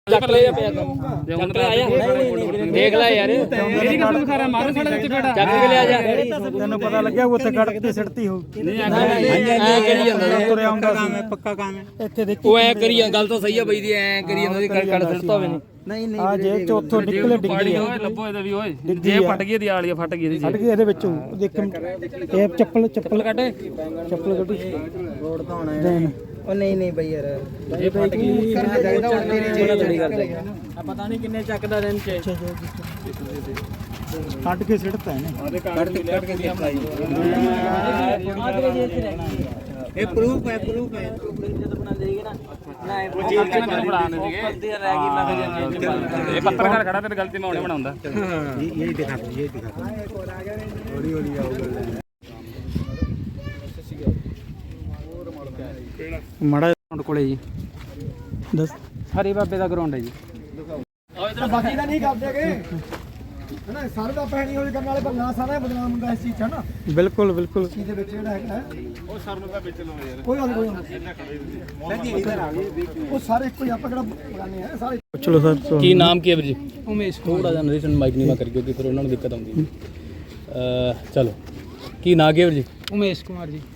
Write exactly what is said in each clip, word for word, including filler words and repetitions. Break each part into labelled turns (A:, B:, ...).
A: ਚੱਕ ਲੈ ਜਾ ਪਿਆ ਚੱਕ ਲੈ ਆਇਆ ਦੇਖ ਲੈ ਯਾਰ ਮੇਰੀ ਕਸਮ ਖਾ ਰਿਹਾ ਮਾਰੂ ਸਾਡਾ ਵਿੱਚ ਬੇਟਾ ਚੱਕ ਕੇ ਲਿਆ ਜਾ
B: ਤੈਨੂੰ ਪਤਾ ਲੱਗਿਆ ਉੱਥੇ ਕੱਢ ਕੇ ਸਿੱਟਤੀ ਹੋ
A: ਨਹੀਂ ਐ ਕਰੀ ਜਾਂਦਾ
B: ਤੁਰਿਆ ਹੁੰਦਾ ਸੀ ਪੱਕਾ ਕੰਮ ਹੈ ਇੱਥੇ ਦੇਖੀ
A: ਉਹ ਐ ਕਰੀ ਗੱਲ ਤਾਂ ਸਹੀ ਆ ਬਈ ਦੀ ਐ ਕਰੀ ਜਾਂਦਾ ਸੀ ਕੱਢ ਸਿੱਟਦਾ ਹੋਵੇ
B: ਨਹੀਂ ਨਹੀਂ ਆ ਜੇ ਚੌਥੋਂ ਨਿਕਲੇ ਡਿੱਗੀ
A: ਓਏ ਲੱਭੋ ਇਹਦਾ ਵੀ ਓਏ ਜੇ ਫਟ ਗਈ ਦੀ ਆਲੀਆ ਫਟ ਗਈ ਇਹਦੀ
B: ਫਟ ਗਈ ਇਹਦੇ ਵਿੱਚੋਂ ਦੇਖ ਇਹ ਚੱਪਲ ਚੱਪਲ ਕੱਢ ਚੱਪਲ ਕੱਢੀ ਰੋਡ ਤਾਂ ਹੋਣਾ ਹੈ ਉਹ ਨਹੀਂ ਨਹੀਂ ਬਈ ਯਾਰ ਇਹ ਫਟ ਗਈ ਆ ਪਤਾ ਨਹੀਂ ਕਿੰਨੇ ਚੱਕਦਾ ਦਿਨ ਚ ਕੱਢ ਕੇ ਸਿੱਟਦਾ ਇਹਨੇ ਕੱਢ ਕੇ ਕੱਢ ਕੇ ਦੇਖਾਈ ਇਹ ਪ੍ਰੂਫ ਹੈ ਪ੍ਰੂਫ ਹੈ ਜਦ ਬਣਾ ਦੇਗੇ ਨਾ ਨਾ ਇਹ ਜੇਬ ਚ ਬਣਾਉਣੇ ਸੀਗੇ ਰਹਿ ਗਈ ਮੈਂ ਫਿਰ
A: ਇਹ ਪੱਤਰਕਾਰ ਖੜਾ ਤੇਰੀ ਗਲਤੀ ਮੈਂ ਹੁਣੇ ਬਣਾਉਂਦਾ
B: ਇਹ ਇਹ ਦਿਖਾ ਦੋ ਇਹ ਦਿਖਾ ਦੋ ਹੌਲੀ ਹੌਲੀ ਆਊਗਾ ਮਾੜਾ ਗਰਾਊਂਡ ਕੋਲੇ ਜੀ ਦੱਸ ਹਰੀ ਬਾਬੇ ਦਾ ਗਰਾਊਂਡ ਹੈ ਜੀ
C: ਬਾਕੀ ਦਾ ਨਹੀਂ ਕਰਦੇਗੇ ਹਨਾ ਸਾਰੇ ਦਾ ਪੈਣੀ ਹੋਈ ਕਰਨ ਵਾਲੇ ਬੰਦਾ ਸਾਰਾ ਬਦਨਾਮ ਹੁੰਦਾ ਇਸ ਚੀਜ਼ 'ਚ ਹਨਾ
B: ਬਿਲਕੁਲ ਬਿਲਕੁਲ
C: ਚੀਜ਼ ਦੇ ਵਿੱਚ ਜਿਹੜਾ ਹੈਗਾ ਉਹ ਸਰ ਨੂੰ ਤਾਂ ਵਿੱਚ ਲਓ ਯਾਰ ਕੋਈ ਗੱਲ ਕੋਈ ਨਹੀਂ ਇਧਰ ਆ ਗਏ ਉਹ ਸਾਰੇ ਇੱਕੋ ਹੀ ਆਪਾਂ ਕਿਹੜਾ ਬਗਾਨੇ ਆ ਸਾਰੇ
B: ਚਲੋ ਸਰ
A: ਕੀ ਨਾਮ ਕੀ ਹੈ ਵੀਰ ਜੀ ਉਮੇਸ਼ ਥੋੜਾ ਜਿਹਾ ਨਰੇਸ਼ਨ ਮਾਈਕ ਨਹੀਂ ਮੈਂ ਕਰ ਕਿਉਂਕਿ ਫਿਰ ਉਹਨਾਂ ਨੂੰ ਦਿੱਕਤ ਆਉਂਦੀ ਹੈ ਚਲੋ ਕੀ ਨਾਮ ਕੀ ਹੈ ਵੀਰ ਜੀ
B: ਉਮੇਸ਼ ਕੁਮਾਰ ਜੀ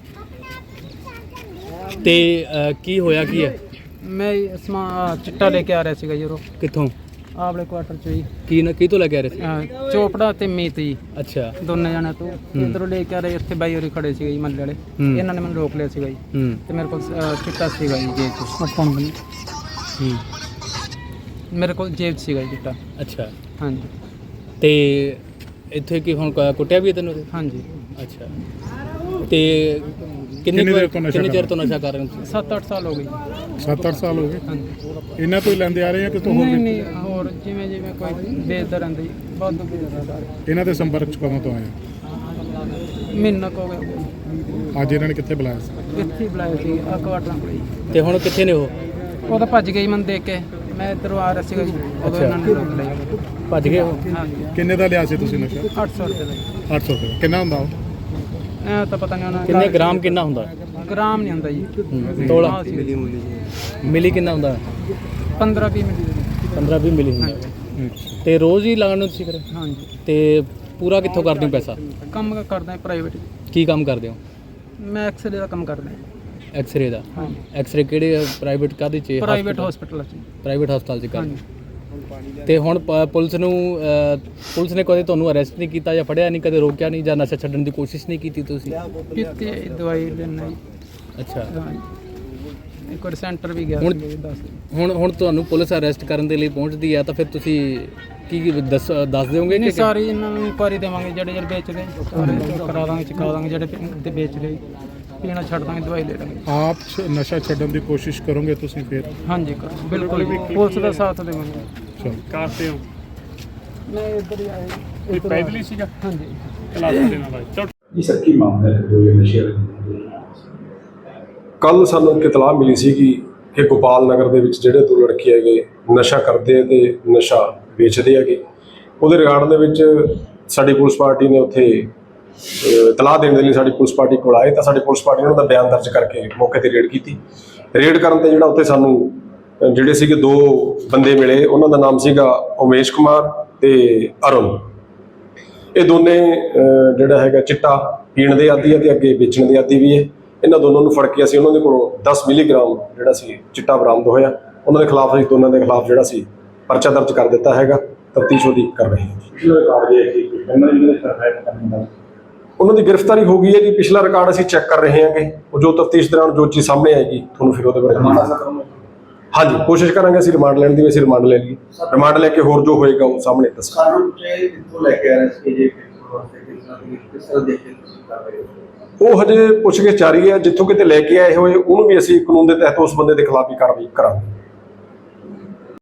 A: ਤੇ ਕੀ ਹੋਇਆ ਕੀ ਹੈ
B: ਮੈਂ ਸਮਾ ਚਿੱਟਾ ਲੈ ਕੇ ਆ ਰਿਹਾ ਸੀਗਾ ਜਰੋ
A: ਕਿੱਥੋਂ
B: ਆਪਣੇ ਕੁਆਟਰ ਚ ਜੀ
A: ਕੀ ਨਾ ਕੀ ਤੋਂ ਲੈ ਕੇ ਆ ਰਹੇ ਸੀ
B: ਚੋਪੜਾ ਤੇ ਮੀਤ ਜੀ
A: ਅੱਛਾ
B: ਦੋਨੇ ਜਣੇ ਤੋਂ ਇਧਰੋਂ ਲੈ ਕੇ ਆ ਰਹੇ ਇੱਥੇ ਬਾਈ ਹੋਰੀ ਖੜੇ ਸੀਗੇ ਜੀ ਮੱਲੇ ਵਾਲੇ ਇਹਨਾਂ ਨੇ ਮੈਨੂੰ ਰੋਕ ਲਿਆ ਸੀਗਾ ਜੀ
A: ਹੂੰ
B: ਤੇ ਮੇਰੇ ਕੋਲ ਚਿੱਟਾ ਸੀਗਾ ਜੀ ਜੇਬ ਚ ਆਪਾਂ ਨੂੰ
A: ਹੂੰ
B: ਮੇਰੇ ਕੋਲ ਜੇਬ 'ਚ ਸੀਗਾ ਜੀ ਚਿੱਟਾ
A: ਅੱਛਾ
B: ਹਾਂਜੀ
A: ਤੇ ਇੱਥੇ ਕੀ ਹੁਣ ਕੁੱਟਿਆ ਵੀ ਤੈਨੂੰ
B: ਹਾਂਜੀ
A: ਅੱਛਾ ਤੇ ਕਿੰਨੇ ਕਿੰਨੇ ਚਿਰ ਤੋਂ ਨਸ਼ਾ ਕਰ ਰਹੇ ਹੋ
B: ਸੱਤ ਅੱਠ ਸਾਲ ਹੋ ਗਏ
D: ਸੱਤ ਅੱਠ ਸਾਲ ਹੋ ਗਏ
B: ਹਾਂਜੀ
D: ਇਹਨਾਂ ਤੋਂ ਹੀ ਲੈਂਦੇ ਆ ਰਹੇ ਆ ਕਿਤੋਂ ਹੋਰ
B: ਨਹੀਂ
D: ਵੀ?
B: ਨਹੀਂ ਹੋਰ ਜਿਵੇਂ ਜਿਵੇਂ ਕੋਈ ਵੇਚਦਾ ਰਹਿੰਦਾ ਜੀ ਬਹੁਤ ਵੇਚਦਾ
D: ਇਹਨਾਂ ਦੇ ਸੰਪਰਕ ਚ ਕਦੋਂ ਤੋਂ ਆਏ
B: ਮਹੀਨਾ ਕੁ ਹੋ ਗਿਆ
D: ਅੱਜ ਇਹਨਾਂ ਨੇ ਕਿੱਥੇ ਬੁਲਾਇਆ ਸੀ
B: ਇੱਥੇ ਹੀ ਬੁਲਾਇਆ ਸੀ ਆ ਕੁਆਟਰਾਂ ਕੋਲ ਜੀ
A: ਤੇ ਹੁਣ ਕਿੱਥੇ ਨੇ ਉਹ
B: ਉਹ ਤਾਂ ਭੱਜ ਗਈ ਮੈਨੂੰ ਦੇਖ ਕੇ ਮੈਂ ਇੱਧਰੋਂ ਆ ਰਿਹਾ ਸੀਗਾ ਜੀ ਉਦੋਂ ਇਹਨਾਂ ਨੇ ਰੋਕ ਲਿਆ
A: ਭੱਜ ਗਏ ਉਹ
B: ਹਾਂਜੀ
D: ਕਿੰਨੇ ਦਾ ਲਿਆ ਸੀ ਤੁਸੀਂ ਨਸ਼ਾ
B: ਅੱਠ ਸੌ ਰੁਪਏ ਦਾ ਜੀ
D: ਅੱਠ ਸੌ ਰੁਪਏ ਕਿੰਨਾ ਹੁੰਦਾ ਉਹ
B: ਇਹ ਤਾਂ ਪਤਾ ਨਹੀਂ ਉਹਨਾਂ
A: ਕਿੰਨੇ ਗ੍ਰਾਮ ਕਿੰਨਾ ਹੁੰਦਾ
B: ਗ੍ਰਾਮ ਨਹੀਂ ਹੁੰਦਾ ਜੀ
A: ਤੋਲਾ ਮਿਲੀ ਕਿੰਨਾ ਹੁੰਦਾ
B: ਪੰਦਰਾਂ ਵੀਹ ਮਿੰਟ
A: ਪੰਦਰਾਂ ਵੀਹ ਮਿਲੀ ਹੁੰਦਾ ਤੇ ਰੋਜ਼ ਹੀ ਲਾਉਣ ਨੂੰ ਤੁਸੀਂ ਫਿਰ
B: ਹਾਂਜੀ
A: ਤੇ ਪੂਰਾ ਕਿੱਥੋਂ ਕਰਦੇ ਹੋ ਪੈਸਾ
B: ਕੰਮ ਕਰਦਾ ਪ੍ਰਾਈਵੇਟ
A: ਕੀ ਕੰਮ ਕਰਦੇ ਹੋ
B: ਮੈਂ ਐਕਸਰੇ ਦਾ ਕੰਮ ਕਰਦਾ
A: ਐਕਸ-ਰੇ ਦਾ
B: ਹਾਂਜੀ
A: ਐਕਸ-ਰੇ ਕਿਹੜੇ ਪ੍ਰਾਈਵੇਟ ਕਾਹਦੇ ਚ
B: ਪ੍ਰਾਈਵੇਟ ਹਸਪੀਟਲ 'ਚ
A: ਪ੍ਰਾਈਵੇਟ ਹਸਪਤਾਲ ਚ ਕਰਦੇ
B: ਹਾਂਜੀ
A: ਤੇ ਹੁਣ ਪ- ਪੁਲਿਸ ਨੂੰ ਅਹ, ਪੁਲਿਸ ਨੇ ਕਦੇ ਤੁਹਾਨੂੰ ਅਰੈਸਟ ਨਹੀਂ ਕੀਤਾ ਜਾਂ ਫੜਿਆ ਨਹੀਂ ਕਦੇ ਰੋਕਿਆ ਨਹੀਂ ਜਾਂ ਨਸ਼ਾ ਛੱਡਣ ਦੀ ਕੋਸ਼ਿਸ਼ ਨਹੀਂ ਕੀਤੀ ਤੁਸੀਂ
B: ਕੀਤੀ ਹੈ ਜੀ, ਦਵਾਈ ਲੈਣਾ ਜੀ
A: ਅੱਛਾ
B: ਹਾਂਜੀ ਇੱਕ ਵਾਰ ਸੈਂਟਰ ਵੀ ਗਿਆ
A: ਹੁਣ-
B: ਸੀ ਦੱਸ
A: ਹੁਣ ਹੁਣ ਤੁਹਾਨੂੰ ਪੁਲਿਸ ਅਰੈਸਟ ਕਰਨ ਦੇ ਲਈ ਪਹੁੰਚਦੀ ਹੈ ਤਾਂ ਫਿਰ ਤੁਸੀਂ ਕੀ ਦੱਸ ਦੱਸ ਦਿਓਗੇ
B: ਨਹੀਂ
A: ਕਿ
B: ਸਾਰੀ ਇਹਨਾਂ ਨੂੰ ਇਨਕੁਆਰੀ ਦੇਵਾਂਗੇ ਜਿਹੜੇ ਜਿਹੜੇ ਵੇਚਦੇ ਸਾਰੇ ਕਰਾ ਦਾਂਗੇ ਚੁਕਾ ਦਾਂਗੇ ਜਿਹੜੇ ਤੇ ਵੇਚ ਰਹੇ ਪੀਣਾ ਛੱਡ ਦਾਂਗੇ ਦਵਾਈ ਲੈ ਲਾਂਗੇ
D: ਆਪ ਛ- ਨਸ਼ਾ ਛੱਡਣ ਦੀ ਕੋਸ਼ਿਸ਼ ਕਰੋਗੇ ਤੁਸੀਂ ਫਿਰ
B: ਹਾਂਜੀ ਕਰੋ ਬਿਲਕੁਲ ਪੁਲਿਸ ਦਾ ਸਾਥ ਦੇਵਾਂਗੇ
D: ਚਲੋ
A: ਕਰਦੇ ਹੋ
B: ਮੈਂ ਇੱਧਰ ਹੀ ਆਇਆ ਜੀ।
A: ਇਹ ਪੈਦਲ ਹੀ ਸੀਗਾ
B: ਹਾਂਜੀ
A: ਕਲਾਸ ਦੇ ਨਾਲ ਆਏ ਚਲੋ
E: ਜੀ ਸਰ ਕੀ ਮਾਮਲਾ ਹੈ ਜੋ ਇਹ ਨਸ਼ੇ ਕੱਲ ਸਾਨੂੰ ਇੱਕ ਇਤਲਾਹ ਮਿਲੀ ਸੀ ਕਿ ਗੋਪਾਲ ਨਗਰ ਦੇ ਵਿੱਚ ਜਿਹੜੇ ਦੋ ਲੜਕੇ ਹੈਗੇ ਨਸ਼ਾ ਕਰਦੇ ਆ ਤੇ ਨਸ਼ਾ ਵੇਚਦੇ ਹੈਗੇ ਉਹਦੇ ਰਿਗਾਰਡ ਦੇ ਵਿੱਚ ਸਾਡੀ ਪੁਲਿਸ ਪਾਰਟੀ ਨੇ ਉੱਥੇ ਇਤਲਾਹ ਦੇਣ ਦੇ ਲਈ ਸਾਡੀ ਪੁਲਿਸ ਪਾਰਟੀ ਕੋਲ ਆਏ ਤਾਂ ਸਾਡੀ ਪੁਲਿਸ ਪਾਰਟੀ ਨੇ ਉਹਨਾਂ ਦਾ ਬਿਆਨ ਦਰਜ ਕਰਕੇ ਮੌਕੇ ਤੇ ਰੇਡ ਕੀਤੀ ਰੇਡ ਕਰਨ ਤੇ ਜਿਹੜਾ ਉੱਥੇ ਸਾਨੂੰ ਜਿਹੜੇ ਸੀਗੇ ਦੋ ਬੰਦੇ ਮਿਲੇ ਉਹਨਾਂ ਦਾ ਨਾਮ ਸੀਗਾ ਉਮੇਸ਼ ਕੁਮਾਰ ਤੇ ਅਰੁਣ ਇਹ ਦੋਨੇ ਜਿਹੜਾ ਹੈਗਾ ਚਿੱਟਾ ਪੀਣ ਦੇ ਆਦੀ ਹੈ ਤੇ ਅੱਗੇ ਵੇਚਣ ਦੇ ਆਦੀ ਵੀ ਹੈ ਇਹਨਾਂ ਦੋਨਾਂ ਨੂੰ ਫੜ ਕੇ ਅਸੀਂ ਉਹਨਾਂ ਦੇ ਕੋਲੋਂ ਦਸ ਮਿਲੀਗ੍ਰਾਮ ਜਿਹੜਾ ਸੀ ਚਿੱਟਾ ਬਰਾਮਦ ਹੋਇਆ ਉਹਨਾਂ ਦੇ ਖਿਲਾਫ ਅਸੀਂ ਦੋਨਾਂ ਦੇ ਖਿਲਾਫ ਜਿਹੜਾ ਸੀ ਪਰਚਾ ਦਰਜ ਕਰ ਦਿੱਤਾ ਹੈਗਾ ਤਫਤੀਸ਼ ਉਹਦੀ ਕਰ ਰਹੇ ਹਾਂ ਉਹਨਾਂ ਦੀ ਗ੍ਰਿਫਤਾਰੀ ਹੋ ਗਈ ਹੈ ਜੀ ਪਿਛਲਾ ਰਿਕਾਰਡ ਅਸੀਂ ਚੈੱਕ ਕਰ ਰਹੇ ਹਾਂਗੇ ਉਹ ਜੋ ਤਫਤੀਸ਼ ਦੌਰਾਨ ਜੋ ਚੀਜ਼ ਸਾਹਮਣੇ ਆਏਗੀ ਤੁਹਾਨੂੰ ਫਿਰ ਉਹਦੇ ਬਾਰੇ ਹਾਂਜੀ ਕੋਸ਼ਿਸ਼ ਕਰਾਂਗੇ ਅਸੀਂ ਰਿਮਾਂਡ ਲੈਣ ਦੀ ਅਸੀਂ ਰਿਮਾਂਡ ਲੈ ਲਈਏ ਰਿਮਾਂਡ ਲੈ ਕੇ ਹੋਰ ਜੋ ਹੋਏਗਾ ਉਹ ਸਾਹਮਣੇ ਦੱਸਾਂਗੇ ਉਹ ਹਜੇ ਪੁੱਛਗਿੱਛ ਜਾਰੀ ਹੈ ਜਿੱਥੋਂ ਕਿਤੇ ਲੈ ਕੇ ਆਏ ਹੋਏ ਉਹਨੂੰ ਵੀ ਅਸੀਂ ਕਾਨੂੰਨ ਦੇ ਤਹਿਤ ਉਸ ਬੰਦੇ ਦੇ ਖਿਲਾਫ ਹੀ ਕਾਰਵਾਈ ਕਰਾਂਗੇ